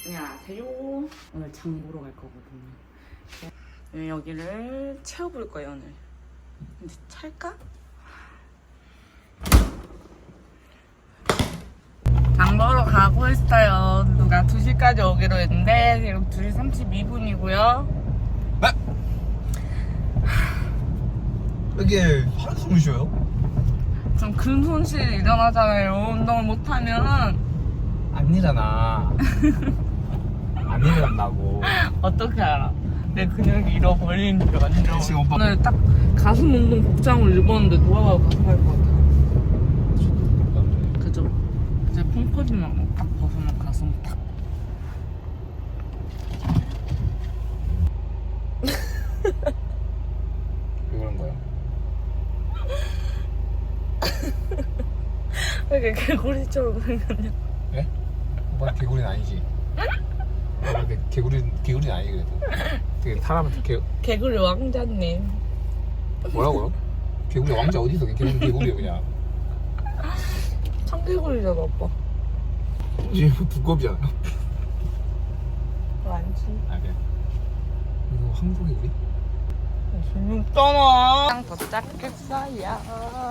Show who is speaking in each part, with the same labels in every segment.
Speaker 1: 안녕하세요. 오늘 장 보러 갈 거거든요. 여기를 채워볼 거예요 오늘. 근데 찰까? 장 보러 가고 있어요. 누가 2시까지 오기로 했는데 지금 2시 32분이고요.
Speaker 2: 네? 이게 하루 숨을 쉬어요?
Speaker 1: 좀 근손실이 일어나잖아요. 운동을 못하면.
Speaker 2: 안 일어나. 안 일어난다고.
Speaker 1: 어떻게 알아? 내 근육이 잃어버리는 줄 완전.
Speaker 2: 지금 오빠
Speaker 1: 오늘 딱 가슴 운동 복장을 입었는데 노아가 가서 할 것 같아. 그죠? 이제 펑퍼짐만 딱 벗으면 가슴 탁.
Speaker 2: 왜 그런 거야?
Speaker 1: 왜 이렇게 개구리처럼 생겼냐?
Speaker 2: 예? 오빠 개구리는 아니지? 오빠 개구리는 아니 그래도. 되게 사람한테
Speaker 1: 개구리 왕자님.
Speaker 2: 뭐라고요? 개구리 왕자 어디서 개구리야 그냥.
Speaker 1: 청개구리잖아 오빠.
Speaker 2: 지금 두꺼비잖아.
Speaker 1: 아니지.
Speaker 2: 아 그래. 이거 황소개구리?
Speaker 1: 재밌잖아. 땅 도착했어요.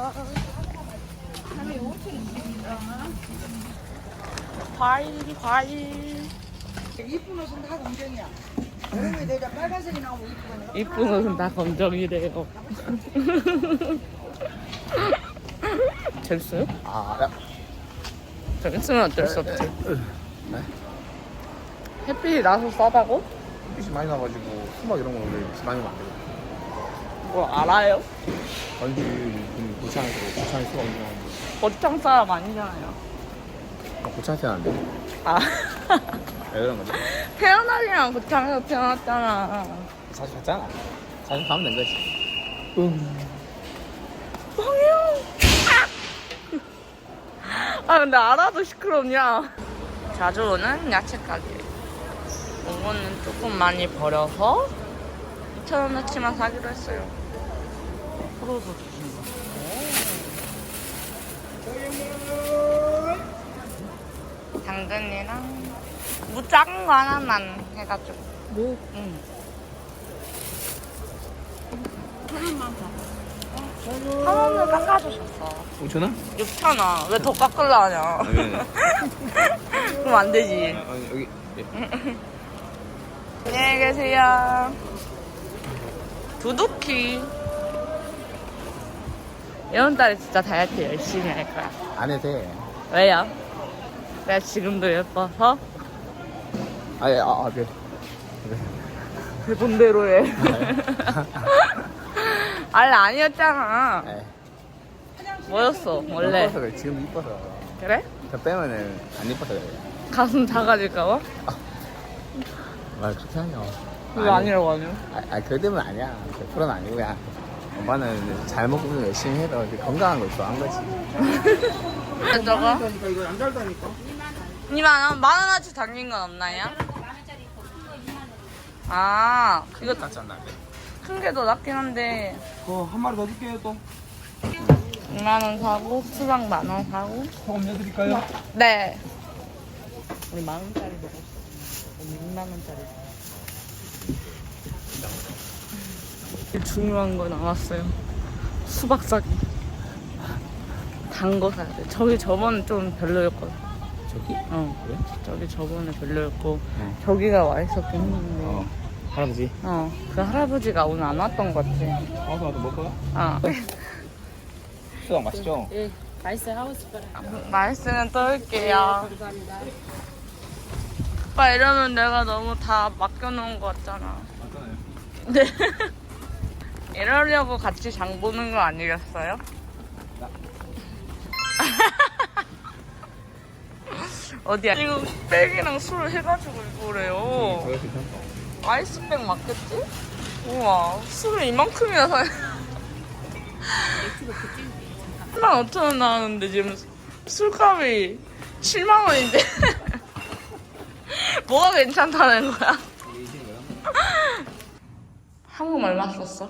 Speaker 1: 과일.
Speaker 3: 이쁜 옷은 다 검정이야. 여름에 내가 빨간색이 나오면 이쁘네.
Speaker 1: 이쁜 옷은 다 검정이래요. 재밌어요?
Speaker 2: 아 야.
Speaker 1: 재밌으면 어쩔 수 없지.
Speaker 2: 네?
Speaker 1: 햇빛이 나서 싸다고?
Speaker 2: 햇빛이 많이 나가지고 수박 이런 거 원래 많이 먹안 되거든.
Speaker 1: 뭘 알아요?
Speaker 2: 아니지 고창에서 수박 유명한데.
Speaker 1: 거창 사람 아니잖아요.
Speaker 2: 고창에서 안 돼?
Speaker 1: 아
Speaker 2: 왜 그런 거지?
Speaker 1: 태어나기랑 거창에서 태어났잖아.
Speaker 2: 자주 갔잖아. 자주 가면 된 거지.
Speaker 1: 뻥이요. 아 근데 알아도 시끄럽냐. 자주 오는 야채 가게. 이거는 조금 많이 버려서 2,000원어치만 사기로 했어요. 풀어서 주신 거. 당근이랑 무 작은 거 하나만 해가지고. 뭐? 응. 하나만 더. 한 원을 깎아주셨어.
Speaker 2: 5,000원?
Speaker 1: 6,000원. 왜 더 깎으려 하냐? 그럼 안 되지.
Speaker 2: 여기.
Speaker 1: 안녕히 계세요. 두둑히. 이번 달에 진짜 다이어트 열심히 할 거야.
Speaker 2: 안 해도 돼.
Speaker 1: 왜요? 내가 지금도 예뻐서?
Speaker 2: 네.
Speaker 1: 그 본대로 해. 원래 아니었잖아.
Speaker 2: 네.
Speaker 1: 뭐였어, 원래?
Speaker 2: 이뻐서 그래. 지금 이뻐서.
Speaker 1: 그래?
Speaker 2: 저 빼면은 안 이뻐서 그래.
Speaker 1: 가슴 작아질까봐?
Speaker 2: 말 그렇게 하냐.
Speaker 1: 그거 아니라고 하냐?
Speaker 2: 그럴 때문 아니야. 100%는 아니고 그냥 엄마는 잘 먹고 열심히 해도 건강한 걸 좋아한 거지.
Speaker 1: 저거?
Speaker 3: 이거 안 달다니까.
Speaker 1: 2만원? 만원어치 담긴 건 없나요? 아, 이거
Speaker 2: 낫지 않나?
Speaker 1: 큰 게 더 낫긴 한데
Speaker 3: 한 마리 더 줄게요 또.
Speaker 1: 2만원 사고 수박 10,000원 사고.
Speaker 3: 소금 내드릴까요?
Speaker 1: 네. 우리 10,000원짜리 먹었어. 오늘 6만원짜리. 제일 중요한 거 나왔어요. 수박 사기. 단 거 사야 돼. 저기 저번에 좀 별로였거든.
Speaker 2: 저기?
Speaker 1: 그래? 저기 저번에 별로였고
Speaker 2: 응.
Speaker 1: 저기가 와 있었긴 했는데
Speaker 2: 할아버지.
Speaker 1: 그 할아버지가 오늘 안 왔던 것 같아.
Speaker 2: 나도 먹어요? 수박 맛있죠?
Speaker 4: 예, 맛있어요. 하고 싶어요.
Speaker 1: 말씀은 또 올게요.
Speaker 4: 감사합니다.
Speaker 1: 오빠 이러면 내가 너무 다 맡겨놓은 거 같잖아.
Speaker 2: 맞잖아요.
Speaker 1: 네. 이러려고 같이 장 보는 거 아니겠어요? 어디야? 지금 백이랑 술 해가지고 이거래요.
Speaker 2: 저거 괜찮다.
Speaker 1: 아이스백 맞겠지? 우와, 술을 이만큼이나 사야 15,000원 나왔는데 지금 술값이 70,000원인데 뭐가 괜찮다는 거야? 한국 얼마 썼어?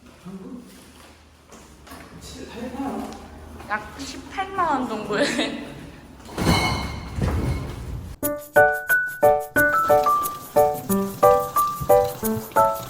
Speaker 1: 약 18만 원 정도에 아,